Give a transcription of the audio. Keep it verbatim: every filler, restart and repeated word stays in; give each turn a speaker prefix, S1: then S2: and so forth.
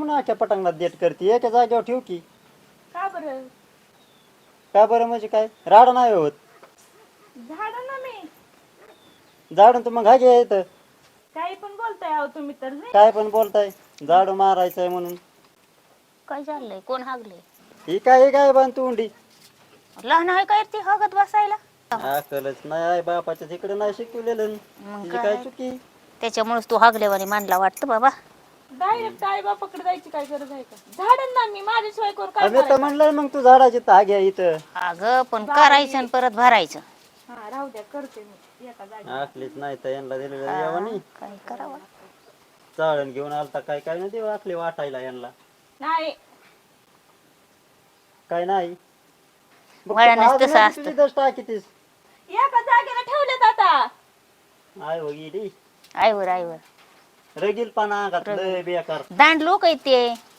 S1: म्हणून आख्या पटांगणात देट करते एका जागेवर ठेव की.
S2: का बरं?
S1: का बरं म्हणजे काय राडा नाही होत.
S2: झाड ना मी
S1: झाडून तर मग हा घ्या येतं.
S2: काही पण बोलताय अहो तुम्ही तर नाही.
S1: काय पण बोलताय झाडू मारायचंय म्हणून.
S3: काय चाललंय? कोण हागले?
S1: ही काय ही काय बांध तोंडी.
S3: लहान आहे काय ती हगत बसायला?
S1: अकलच नाही आहे बापाच्या तिकडे नाही शिकवलेलं.
S3: मग
S1: तिची काय
S3: काय
S1: चुकी.
S3: त्याच्यामुळेच तू हागल्यावानी मानला वाटतं बाबा.
S2: डायरेक्ट आई बापाकडे जायची काय गरज आहे का? झाडण ना मी माझ्याशिवाय करून काय
S1: आम्ही तर
S2: करायचं?
S1: म्हणलं मग तू झाडाची घ्या इथं.
S3: अगं पण करायचं आणि परत भरायचं.
S2: हा राहू द्या करते मी एका जागी.
S1: आखलीच नाही तर यांना दिलेलं
S3: हा,
S1: यावानी.
S3: काय करावं?
S1: चाळण घेऊन आलता काय काय नाही देऊ आखली वाटायला यांना.
S2: नाही
S1: काय नाही. बघ
S3: वळणच
S1: तू
S3: तसं
S1: आज
S3: असतं.
S1: तुझी दष्ट टाकीतीस.
S2: एका जागेला ठेवलेत आता.
S1: आय हो गेली
S3: आईवर आईवर
S1: रगील पाना अंगात लय बेकार.
S3: दांड लोक आहेत ते.